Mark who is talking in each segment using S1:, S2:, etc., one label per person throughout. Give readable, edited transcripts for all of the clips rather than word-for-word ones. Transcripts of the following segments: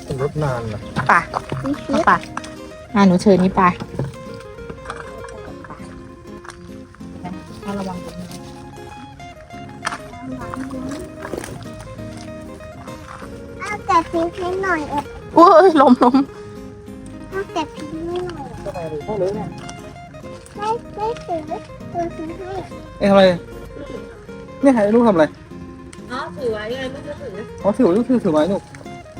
S1: เป็นรถนานนะ
S2: ป่ะเอาป่ะหนูเชิญนี่ไป่ะระวังตรงนี้
S3: เอาแต่พริกให้หน่อยเออ
S2: อุ้ยล้ม
S3: เอาแต่พริกให้หน่อย
S1: ก็ไปเลยเข้าเลยเนี่ย
S3: ไม่ถือตัวซื้อให้
S1: เอ้ทำอะไรเนี่ยให้ลูกทำอะไร
S2: อ๋อถือไว้ไงไม่ถือ
S1: อ๋อถือลูกถือไม้ลูก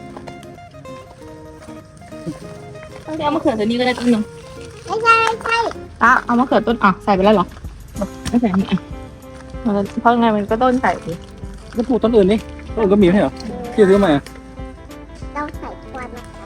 S2: เอามะเขือตัวนี้ก็ได้ต้นหนึ่ง
S3: ไม่ใช่ไม่ใช่
S2: เอามะเขือต้นใส่ไปแล้วเหรอไม่ใส่นี่เพราะไงมันก็ต้นใส่ดิ
S1: ก็ปลูกต้นอื่นนี่ต้นอื่นก็มีไม่ใช่เหรอพี่ซื้อมาอ่ะ
S3: ต้องใส่ควันนะคะ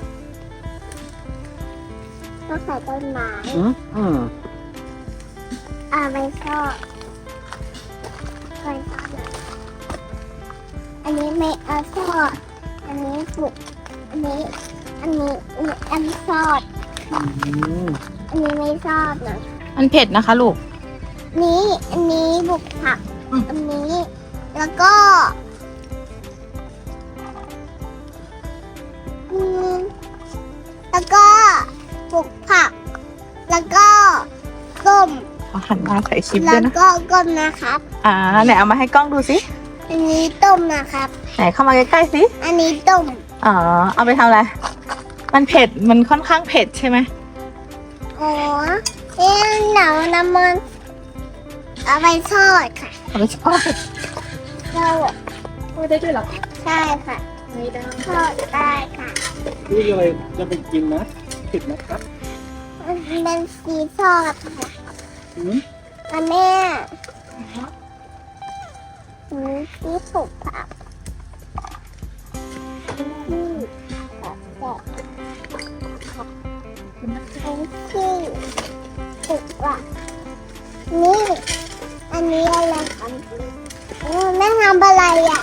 S3: ต้องใส่ต้นไม้
S1: อืม
S3: ไม่ชอบไม่ชอบเลยอันนี้ไม่เอาชอบอันนี้ปลูกอันนี้ชอบ
S1: อืม
S3: อันนี้ไม่ชอบนะ
S2: มันเผ็ดนะคะลูก
S3: อันนี้บุกผัก อันนี้ แล้วก็ แล้วก็ปลูกผัก แล้วก็ต้ม
S2: หันมาใส่ชิปด้
S3: แล้ว วย
S2: นะ
S3: ก็ก้มนะครับ
S2: ไหนเอามาให้กล้องดูสิ
S3: อันนี้ต้มนะครับ
S2: ไหนเข้ามาใกล้ๆสิ
S3: อันนี้ต้ม
S2: เอาไปทำอะไร มันเผ็ด มันค่อนข้างเผ็ดใช่ไหม
S3: อ๋อเอ๊ะหนังน้ำมันเอาไปทอดค่ะ
S2: เอาไปทอด
S3: เรา
S2: ทอดได้ด้วยเหรอ
S3: ใช่ค่ะ
S2: ไม่ได้
S3: ทอดได้ค่ะ
S1: นี่อะไรจะไปกินนะผิดนะครับ
S3: มันเป็นสีทอดค่ะ
S1: อืม
S3: อันแม่ที่ปลูกผักที่ผักแบบที่ปลูกผักนี่ อันนี้อะไรครับแม่ทำอะไรอ่ะ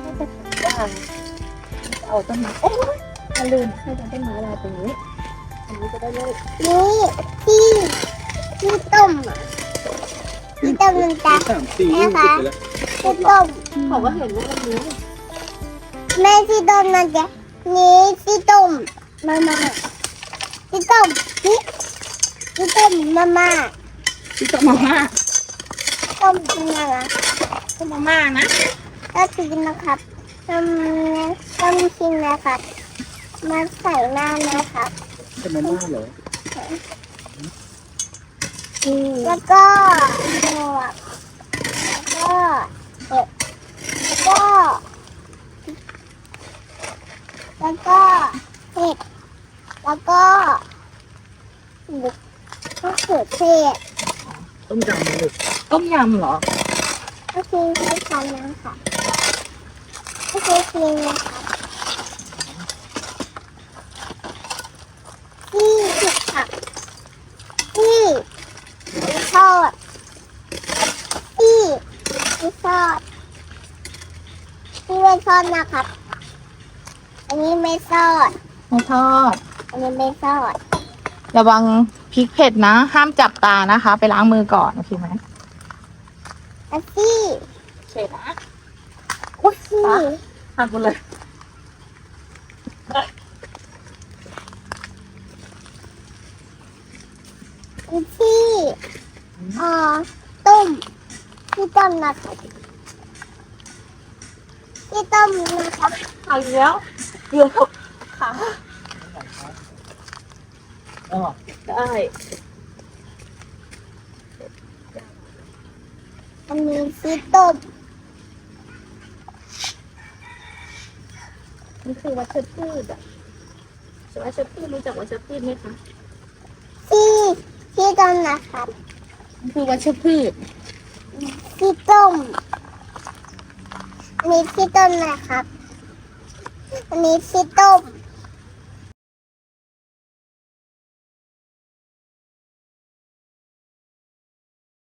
S2: เอาต้นไม้โอ้ยอย่าลืมให้ต้นไม้ลายตรงนี้ อันนี้จะได้ไม่
S3: นี่ที่ต้มอ่ะที่ต้มมันจะ
S1: 3-4ลูกติดไปแล้ว
S3: ที่ต้ม
S2: เขาก็เห็นว่ามันนี้
S3: แม่ที่ต้มมันจะนี่ที่ต้มมาม่าที่ต้มนี่ที่ต้มมาม่า
S2: ที่ต้มมาม่า
S3: ต้มกินอะไร
S2: ต้มมาม่านะ
S3: ก็กินนะครับต้มกินนะครับมาใส่หน้านะครับ
S1: เป็นมาม่าเหรอ
S3: แล้วก็หมวกแล้วก็เห็ดแล้วก็เห็ดแล้วก็บุกมะเขือเทศ
S1: ต้มยำเลย
S2: ต้มยำเหรอ
S3: ก็คือใช้คันนะคะก็คือกินนะคะที่ผิดผักที่ทอดที่ทอดที่ไม่ทอดนะครับ อันนี้ไม่ทอด
S2: ไม่ทอด
S3: อันนี้ไม่ทอด
S2: ระวังพริกเผ็ดนะ ห้ามจับตานะคะ ไปล้างมือก่อนโอเคไหม
S3: อันที่
S2: เฉยนะอุ้ย
S3: ที่
S2: หักหมดเลย
S3: อันที่ต้มที่ต้มนะครับที่ต้มนะครับ
S2: หักอีกแล้วเกือบขา
S1: อ๋อ
S2: ได้
S3: อันนี้ที่ต้ม
S2: นี่คือวัชพืชอ่ะวัชพืชรู้จักวัชพืชไหมคะ
S3: ที่ต้มนะครับ
S2: มันคือวัชพืช
S3: ที่ต้มอันนี้ที่ต้มนะครับ อันนี้ที่ต้ม